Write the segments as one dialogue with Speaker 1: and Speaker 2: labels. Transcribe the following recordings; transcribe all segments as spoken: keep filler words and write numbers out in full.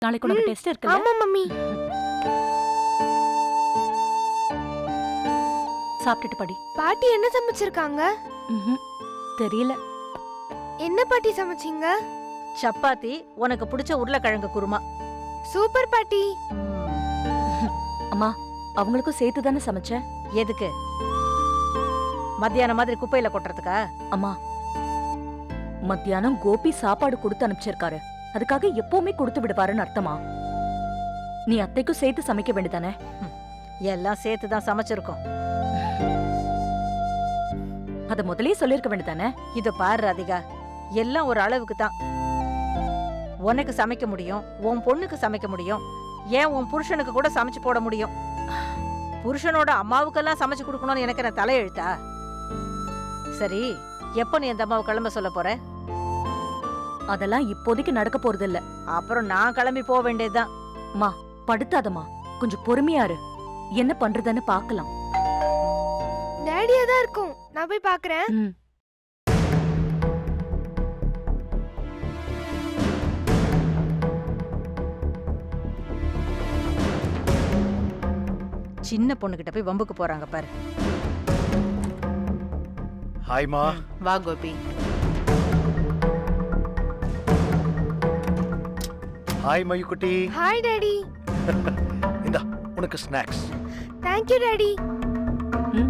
Speaker 1: நாளைக்கு உனக்கு டெஸ்ட் இருக்குல்ல?
Speaker 2: ஆமா மம்மி.
Speaker 1: சாப்பிட்டுட்டு படி.
Speaker 2: பாட்டி என்ன சமைச்சிருக்காங்க?
Speaker 1: ம்ஹும். தெரியல.
Speaker 2: என்ன பாட்டி சமைச்சீங்க?
Speaker 3: சப்பாத்தி, உனக்கு பிடிச்ச உருளைக்கிழங்கு குருமா.
Speaker 2: சூப்பர் பாட்டி.
Speaker 1: அம்மா, அவங்களுக்கும் சேர்த்து தானே சமைச்சேன்.
Speaker 3: எதுக்கு? மத்தியானம் மாதிரி குப்பையில கொட்டுறதுக்கா?
Speaker 1: அம்மா, மத்தியானம் கோபி சாப்பாடு கொடுத்து அனுப்பிச்சிருக்காரு. அதுக்காக எப்பவுமே கொடுத்து விடுவாருன்னு அர்த்தமா? நீ அத்தைக்கும் சேர்த்து சமைக்க வேண்டியதானே?
Speaker 3: எல்லாம் சேர்த்து தான் சமைச்சிருக்கோம்.
Speaker 1: அத முதல்லயே சொல்லிருக்க வேண்டியதானே?
Speaker 3: இத பாரு ராதிகா, எல்லாம் ஒரு அளவுக்கு தான். உனக்கு சமைக்க முடியும், உன் பொண்ணுக்கு சமைக்க முடியும், ஏன் உன் புருஷனுக்கு கூட சமைச்சு போட முடியும். புருஷனோட அம்மாவுக்கெல்லாம் சமைச்சு கொடுக்கணும்னு எனக்கு என்ன தலையெழுத்தா? சரி, எப்ப நீ அந்த அம்மாவை கிளம்ப சொல்ல போற?
Speaker 1: அதெல்லாம் இப்போதைக்கு நடக்க போறது இல்ல.
Speaker 3: அப்புறம் நான் கிளம்பி போக வேண்டியதுதான்.
Speaker 1: மா, படுத்தாதம்மா, கொஞ்சம் பொறுமையா இரு. என்ன பண்றதுன்னு பாக்கலாம்.
Speaker 2: டேடியா தான் இருக்கும். நான் போய் பாக்குறேன்.
Speaker 1: ம்.
Speaker 3: சின்ன பொண்ணுகிட்ட போய் வம்புக்கு போறாங்க பாரு.
Speaker 4: ஹாய்மா.
Speaker 5: வா கோபி.
Speaker 4: ஹாய் மயுக்குட்டி.
Speaker 2: Hi daddy.
Speaker 4: இந்தா உனக்கு ஸ்நாக்ஸ்.
Speaker 2: Thank you daddy.
Speaker 1: ம்.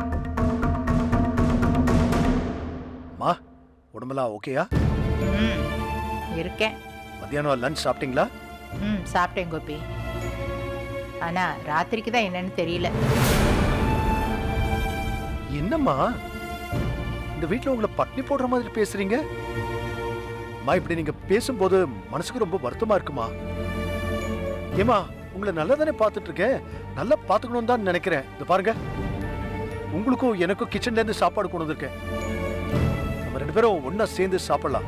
Speaker 4: மா, உடம்பெல்லாம் ஓகேயா?
Speaker 5: ம், இருக்கேன்.
Speaker 4: மத்தியானம் லஞ்ச் சாப்பிட்டீங்களா?
Speaker 5: ம், சாப்பிட்டேன் கோபி. ஆனா ராத்திரிக்கு தான் என்னன்னு தெரியல.
Speaker 4: என்னம்மா இந்த வீட்ல உங்களை பட்னி போடுற மாதிரி பேசுறீங்க? மா, இப்படி நீங்க பேசும்போது மனசுக்கு ரொம்ப வருத்தமா இருக்குமா? ஏமா, உங்களை நல்லா தானே பார்த்துட்டு இருக்கேன். நல்லா பார்த்துக்கணும் தான் நினைக்கிறேன். இந்த பாருங்க, உங்களுக்கும் எனக்கும் கிச்சன்ல இருந்து சாப்பாடு கொண்டு வந்திருக்கேன். நம்ம ரெண்டு பேரும் ஒன்னா சேர்ந்து சாப்பிடலாம்.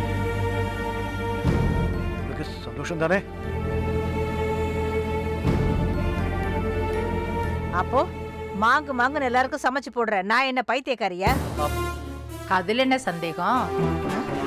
Speaker 4: உங்களுக்கு சந்தோஷம் தானே?
Speaker 3: அப்போ மாங்கு மாங்குன்னு எல்லாருக்கும் சமைச்சு போடுற நான் என்ன பைத்தியக்காரியா?
Speaker 5: அதுல என்ன சந்தேகம்?